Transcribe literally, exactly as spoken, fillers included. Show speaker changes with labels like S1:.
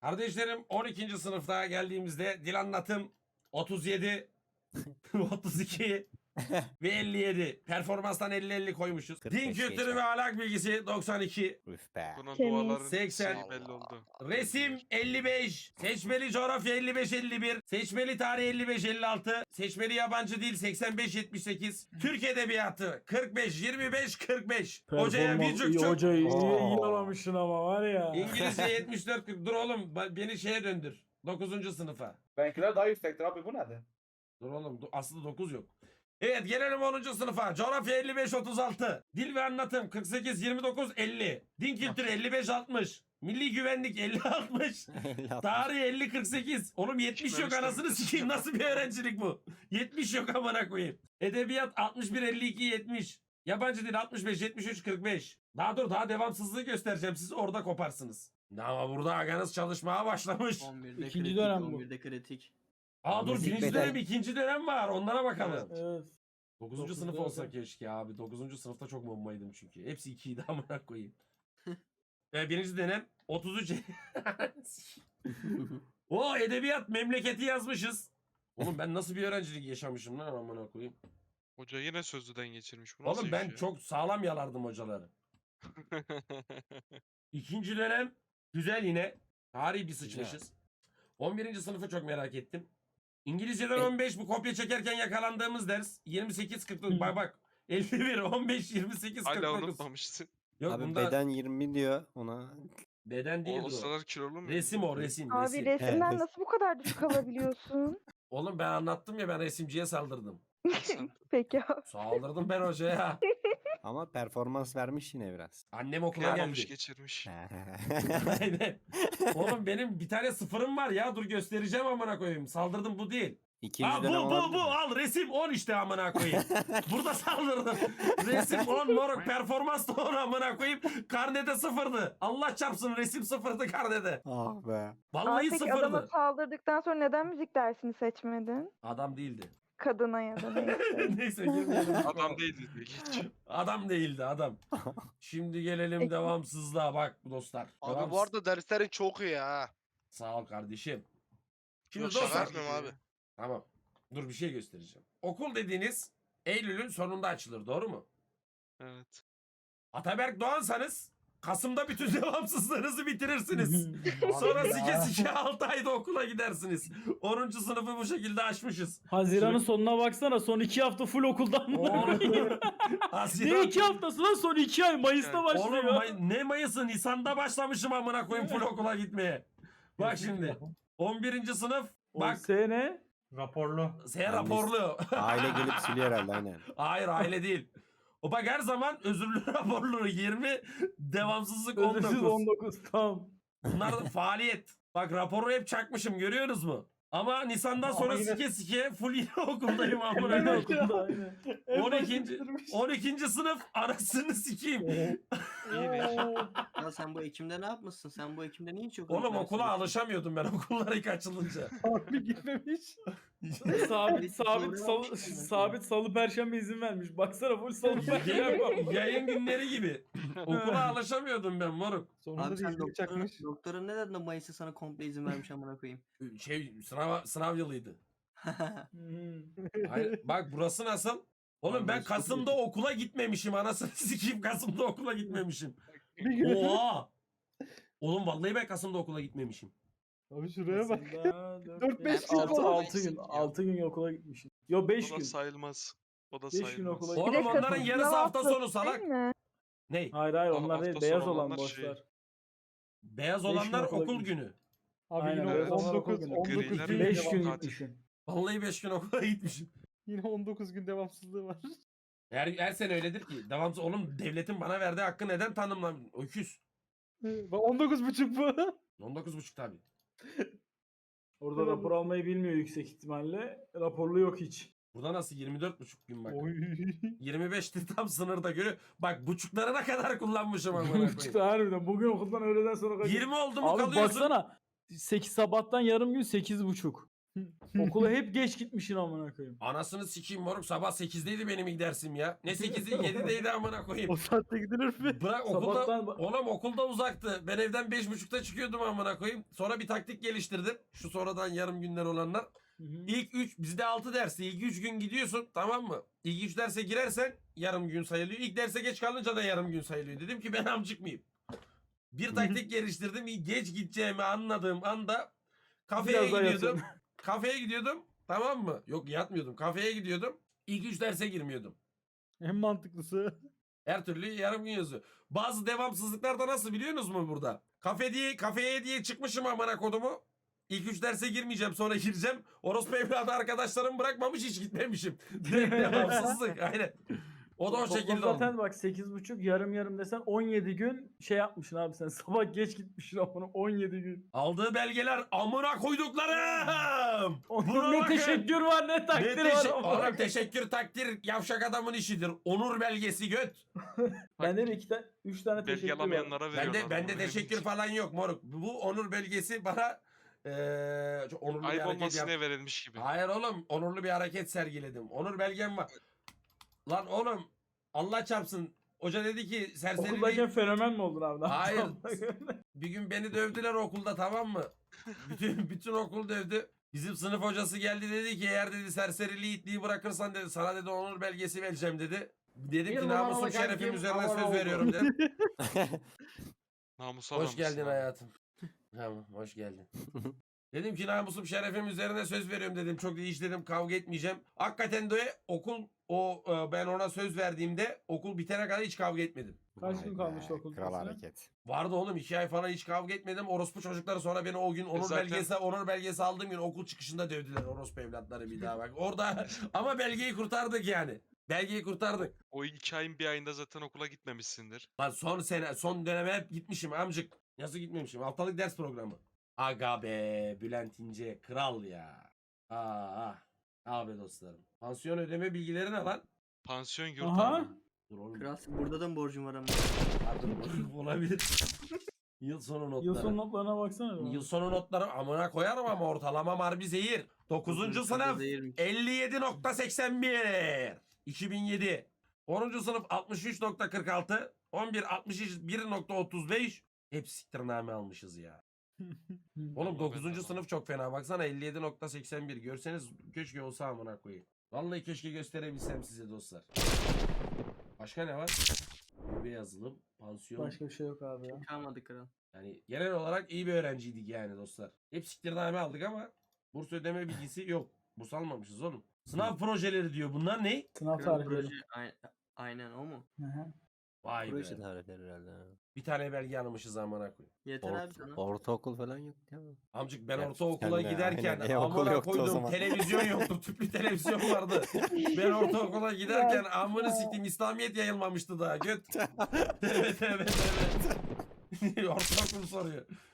S1: Kardeşlerim on ikinci sınıfta geldiğimizde dil anlatım otuz yedi, otuz iki ve elli yedi. Performanstan elli elli koymuşuz.
S2: kırk
S1: Din
S2: beş
S1: kültürü
S2: geçer.
S1: ve ahlak bilgisi doksan iki.
S2: Üf be.
S3: Bunun
S4: Temiz.
S3: duaların
S1: seksen.
S3: şeyi belli oldu.
S1: Resim elli beş, seçmeli coğrafya elli beş elli bir, seçmeli tarih elli beş elli altı, seçmeli yabancı dil seksen beş yetmiş sekiz, Türk edebiyatı kırk beş yirmi beş kırk beş. Hocaya
S5: Performans
S1: birçok
S5: iyi,
S1: çok.
S5: hocayı iyi, iyi
S2: Oo.
S5: aramışsın ama var ya.
S1: İngilizce yetmiş dört kırk. Dur oğlum ba- beni şeye döndür. dokuzuncu sınıfa.
S6: Benimkiler daha yüksektir abi, bu nedir?
S1: Dur oğlum do- aslında dokuz yok. Evet gelelim onuncu sınıfa. Coğrafya elli beş otuz altı. Dil ve anlatım kırk sekiz yirmi dokuz elli. Din kültürü elli beş altmış. Milli güvenlik elli altmış. Tarih elli kırk sekiz. Oğlum yetmiş yok, anasını sikeyim, nasıl bir öğrencilik bu? yetmiş yok amına koyayım. Edebiyat altmış bir elli iki yetmiş. Yabancı dil altmış beş yetmiş üç kırk beş. Daha dur, daha devamsızlığı göstereceğim, siz orada koparsınız. Ama burada aganız çalışmaya başlamış.
S7: on birde
S5: İkinci
S7: kritik,
S5: dönem bu.
S7: on birde kritik.
S1: Aa dur,
S2: Müzik
S1: birinci
S2: beden.
S1: dönem ikinci dönem var, onlara bakalım.
S5: Evet.
S1: dokuzuncu
S5: Dokuz
S1: sınıf
S5: dönem.
S1: olsa keşke abi. dokuzuncu sınıfta çok bombaydım çünkü. Hepsi ikiydi amına koyayım. Ve birinci dönem otuz üç. O edebiyat memleketi yazmışız. Oğlum ben nasıl bir öğrencilik yaşamışım lan amına koyayım.
S3: Hoca yine sözlüden geçirmiş. Bu nasıl
S1: Oğlum
S3: iş
S1: ben
S3: ya?
S1: çok sağlam yalardım hocaları. İkinci dönem güzel yine. Tarihi bir sıçmışız. on birinci sınıfı çok merak ettim. İngilizceden
S2: E-
S1: on beş, bu kopya çekerken yakalandığımız ders yirmi sekiz kırk dokuz. Bak bak. elli bir on beş yirmi sekiz kırk
S3: Hala
S1: dokuz.
S3: unutmamışsın.
S1: Yok
S2: Abi
S1: bunda beden,
S2: beden yirmi diyor ona.
S1: değildir
S3: O
S1: o.
S3: sıralar kilolu mu?
S1: Resim o, resim
S4: Abi
S1: resim.
S4: resimden
S2: Evet.
S4: nasıl bu kadar düşük alabiliyorsun?
S1: Oğlum ben anlattım ya, ben resimciye saldırdım.
S4: Peki abi.
S1: Saldırdım ben hocaya.
S2: Ama performans vermiş yine biraz.
S1: Annem okula
S3: Kıyamamış
S1: geldi.
S3: geçirmiş.
S1: Aynen. Oğlum benim bir tane sıfırım var ya, dur göstereceğim amına koyayım. Saldırdım, bu değil.
S2: İkinci
S1: Aa, bu
S2: dönem
S1: bu
S2: olabilir
S1: bu
S2: mi?
S1: al resim on işte amına koyayım. Burada saldırdım. Resim on moruk, performans da on amına koyayım. Karnede sıfırdı. Allah çarpsın, resim sıfırdı karnede.
S2: Ah be.
S1: Vallahi
S4: Abi peki adama
S1: sıfırdı.
S4: saldırdıktan sonra neden müzik dersini seçmedin?
S1: Adam değildi.
S4: Kadına ya da neyse.
S1: Neyse girmeyelim.
S3: Adam değildi diye geç.
S1: Adam değildi adam. Şimdi gelelim
S4: Peki.
S1: devamsızlığa bak dostlar.
S8: Abi
S1: Devamsız-
S8: bu arada derslerin çok iyi ha.
S1: Sağ ol kardeşim. Şimdi
S8: Yok, şaka
S1: dostlar.
S8: yapmıyorum abi.
S1: Tamam. Dur bir şey göstereceğim. Okul dediğiniz Eylül'ün sonunda açılır, doğru mu?
S3: Evet.
S1: Ataberk Doğansanız Kasım'da bütün devamsızlığınızı bitirirsiniz. Sonra sike sike altı ayda okula gidersiniz. onuncu sınıfı bu şekilde açmışız.
S5: Haziran'ın sonuna baksana, son iki hafta full okuldan mı? Ne
S1: Haziran.
S5: iki haftası lan, son iki ay Mayıs'ta
S3: Yani,
S5: başlıyor.
S1: Oğlum May- ne Mayıs'ı, Nisan'da başlamışım amına koyayım full okula gitmeye. Bak şimdi. on birinci sınıf.
S5: O
S1: Bak.
S5: sene
S6: Raporlu.
S1: S raporlu.
S2: Aile gelip siliyor herhalde aynen.
S1: Hayır aile değil. O bak her zaman özürlü raporlu yirmi, devamsızlık on
S5: özürsüz
S1: dokuz.
S5: on dokuz tam.
S1: Bunlar da faaliyet. Bak raporu hep çakmışım, görüyorsunuz mu? Ama Nisan'dan
S6: Ama
S1: sonra
S6: yine-
S1: sike sike full yine okuldayım amına
S5: Aynı
S1: koyayım.
S5: okulda aynı.
S1: on ikinci on ikinci sınıf anasını sikeyim.
S7: İyi be. Ya sen bu Ekim'de ne yapmışsın? Sen bu Ekim'de niye hiç yok?
S1: Oğlum okula alışamıyordum ben okullara ilk açılınca.
S6: Harbi gitmemiş.
S5: sabit sabit
S7: Doğru
S5: salı,
S7: yapmışsın mesela.
S5: sabit salı perşembe izin vermiş. Baksana full salı perşembe.
S1: Yayın, yayın günleri gibi. Okula alışamıyordum ben moruk.
S6: Sonunda
S7: Abi
S6: da
S7: sen
S6: izini
S7: doktorun,
S6: çakmış.
S7: doktorun ne dedi de Mayıs'ta sana komple izin vermiş amına koyayım.
S1: Şey sınav, sınav yılıydı.
S5: Hmm.
S1: Hayır, bak burası nasıl? Oğlum ben Kasım'da okula gitmemişim, anasını sikeyim, Kasım'da okula gitmemişim.
S6: Bir gün.
S1: Oha! Oğlum vallahi ben Kasım'da okula gitmemişim.
S6: Abi şuraya bak.
S5: Aslında
S6: Dört, beş
S5: altı,
S6: gün falan.
S5: altı gün altı gün okula gitmişim. Yo beş
S3: O da
S5: gün.
S3: sayılmaz. O da
S5: Beş gün
S3: sayılmaz.
S5: okula
S1: Oğlum
S4: Bir de
S1: onların
S4: Kasım
S1: yarısı
S4: sınav
S1: hafta
S4: haftası
S1: sonu salak.
S4: değil mi?
S1: Ney?
S5: Hayır hayır
S3: Aa,
S5: onlar
S3: hafta
S5: değil,
S3: sonu
S5: beyaz olan
S3: olanlar
S5: boşlar.
S3: şey.
S1: Beyaz
S5: Beş gün
S1: olanlar
S5: okula
S1: okul
S5: gitmiş.
S1: günü.
S6: Abi
S5: Aynen,
S6: yine
S5: evet.
S6: on dokuz,
S5: Griler
S6: on dokuz
S3: var.
S6: gün
S5: beş
S6: devam-
S5: gün
S3: Tatil.
S5: gitmişim.
S1: Vallahi beş gün okula gitmişim.
S6: Yine on dokuz gün devamsızlığı var.
S1: Her, her sene öyledir ki. Devamsız oğlum, devletin bana verdiği hakkı neden tanımlam? Öküz.
S6: Bak on dokuz buçuk bu.
S1: on dokuz buçuk tabi.
S5: Orada rapor almayı bilmiyor yüksek ihtimalle. Raporlu yok hiç.
S1: Burada nasıl yirmi dört buçuk gün bak.
S6: Oy.
S1: yirmi beşti tam sınırda görüyor. Bak buçuklarına kadar kullanmışım amına koyayım.
S5: Çıktı harbiden. Bugün okuldan öğleden sonra kaç?
S1: yirmi oldu mu
S5: Abi
S1: kalıyorsun.
S5: baksana. sekiz sabahtan yarım gün sekiz buçuk. Okula hep geç gitmişsin amına koyayım.
S1: Anasını sikeyim moruk, sabah sekizdeydi benim ilk dersim ya. Ne sekizi yedideydi amına koyayım.
S6: O saatte gidilir mi?
S1: Bırak okulda,
S5: Sabahtan ba-
S1: oğlum okulda uzaktı. Ben evden beş buçukta çıkıyordum amına koyayım. Sonra bir taktik geliştirdim. Şu sonradan yarım günler olanlar.
S5: Hı hı.
S1: İlk üç, bizde altı dersi. İlk üç gün gidiyorsun, tamam mı? İlk üç derse girersen yarım gün sayılıyor. İlk derse geç kalınca da yarım gün sayılıyor. Dedim ki ben amcık mıyım? Bir taktik geliştirdim. Geç gideceğimi anladığım anda kafeye
S5: Biraz daha
S1: gidiyordum.
S5: yatın.
S1: Kafeye gidiyordum. Tamam mı? Yok, yatmıyordum. Kafeye gidiyordum. İlk üç derse girmiyordum.
S6: En mantıklısı.
S1: Her türlü yarım gün yazıyor. Bazı devamsızlıklar da nasıl biliyorsunuz mu burada? Kafe diye, kafeye diye çıkmışım amına kodumu. İlk üç derse girmeyeceğim, sonra gireceğim. Orospu evladı arkadaşlarım bırakmamış, hiç gitmemişim. Direkt devamsızlık, aynen. O da o
S5: Toplam
S1: şekilde
S5: zaten
S1: oldu.
S5: bak sekiz buçuk yarım yarım desen on yedi gün şey yapmışsın abi sen. Sabah geç gitmişsin amına on yedi gün.
S1: Aldığı belgeler amına koyduklarım. Buna
S5: ne
S1: bakın.
S5: teşekkür var ne
S1: Ne
S5: takdir var.
S1: teşe-
S5: amına
S1: Oğlum
S5: koyayım.
S1: teşekkür takdir yavşak adamın işidir. Onur belgesi göt.
S5: Bende de iki tane, üç tane
S3: Belge
S5: teşekkür var.
S3: alamayanlara veriyorlar.
S1: Bende bende
S3: bunu.
S1: teşekkür falan yok moruk. Bu onur belgesi bana eee çok onurlu bir
S3: Ayıp
S1: hareket
S3: olmasın
S1: yap.
S3: diye verilmiş gibi.
S1: Hayır oğlum, onurlu bir hareket sergiledim. Onur belgem var. Lan oğlum, Allah çarpsın. Hoca dedi ki serseri
S5: Okuldayken fenomen mi oldun abi? Ne
S1: Hayır.
S5: yaptın?
S1: bir gün beni dövdüler okulda, tamam mı? Bütün bütün okul dövdü. Bizim sınıf hocası geldi, dedi ki eğer dedi serseriliği itliği bırakırsan dedi sana dedi onur belgesi vereceğim dedi. Dedim ki namusum şerefim üzerine söz veriyorum dedim.
S3: Namus
S1: Hoş
S3: adamsın
S1: geldin
S3: abi.
S1: hayatım. Tamam, hoş geldin. Dedim ki namusum şerefim üzerine söz veriyorum dedim. Çok da hiç dedim kavga etmeyeceğim. Hakikaten de okul o e, ben ona söz verdiğimde okul bitene kadar hiç kavga etmedim.
S5: Kaç
S2: Vay
S5: gün
S2: be,
S5: kalmıştı okul
S2: Kral
S5: bitmesine?
S2: hareket.
S1: Vardı oğlum, iki ay falan hiç kavga etmedim. Orospu çocukları sonra beni o gün onur
S3: zaten-
S1: belgesi onur belgesi aldığım gün okul çıkışında dövdüler orospu evlatları bir daha bak. Orada ama belgeyi kurtardık yani. Belgeyi kurtardık.
S3: O iki ayın bir ayında zaten okula gitmemişsindir.
S1: Lan son sene son döneme hep gitmişim amcık. Nasıl gitmemişim? Haftalık ders programı. Aga be Bülent İnce kral ya. Aa, abi dostlarım. Pansiyon ödeme bilgileri ne lan?
S3: Pansiyon yurt
S5: Aha.
S3: abi.
S1: Dur oğlum.
S7: Kral burada da mı borcum var ama?
S1: Pardon, olabilir. Yıl sonu notları.
S5: Yıl sonu notlarına baksana. bir.
S1: Yıl sonu notları amına koyarım ama ortalama harbi zehir. dokuzuncu sınıf
S7: Değilmiş.
S1: elli yedi nokta seksen bir. iki bin yedi. onuncu sınıf altmış üç nokta kırk altı. on bir altmış bir nokta otuz beş. Hep siktirname almışız ya. Oğlum
S3: Vallahi ben
S1: dokuzuncu
S3: de
S1: sınıf çok fena. Baksana elli yedi nokta seksen bir. Görseniz keşke olsa amına koyayım. Vallahi keşke gösterebilsem size dostlar. Başka ne var? Bir yazılım, pansiyon.
S5: Başka bir şey yok abi ya.
S7: Kalmadı kral.
S1: Yani genel olarak iyi bir öğrenciydik yani dostlar. Hep siktirname aldık ama burs ödeme bilgisi yok. Burs almamışız oğlum. Sınav projeleri diyor. Bunlar ne?
S5: Sınav
S7: Kral
S5: tarihleri.
S7: proje ay- aynen o mu?
S5: Hı hı.
S1: Vay be.
S2: Proje tarihleri herhalde. ha.
S1: Bir tane belge almışız amına koyayım.
S7: Yeter abi sana.
S2: Orta, ortaokul falan yok ya.
S1: Amcık ben
S2: Ya
S1: ortaokula
S2: sen de,
S1: giderken
S2: aynen. E-okul
S1: amına
S2: yoktu o
S1: koydum
S2: zaman.
S1: televizyon yoktu. Tüplü televizyon vardı. Ben ortaokula giderken amını siktim İslamiyet yayılmamıştı daha. Göt. Evet evet evet. Ortaokul soruyor.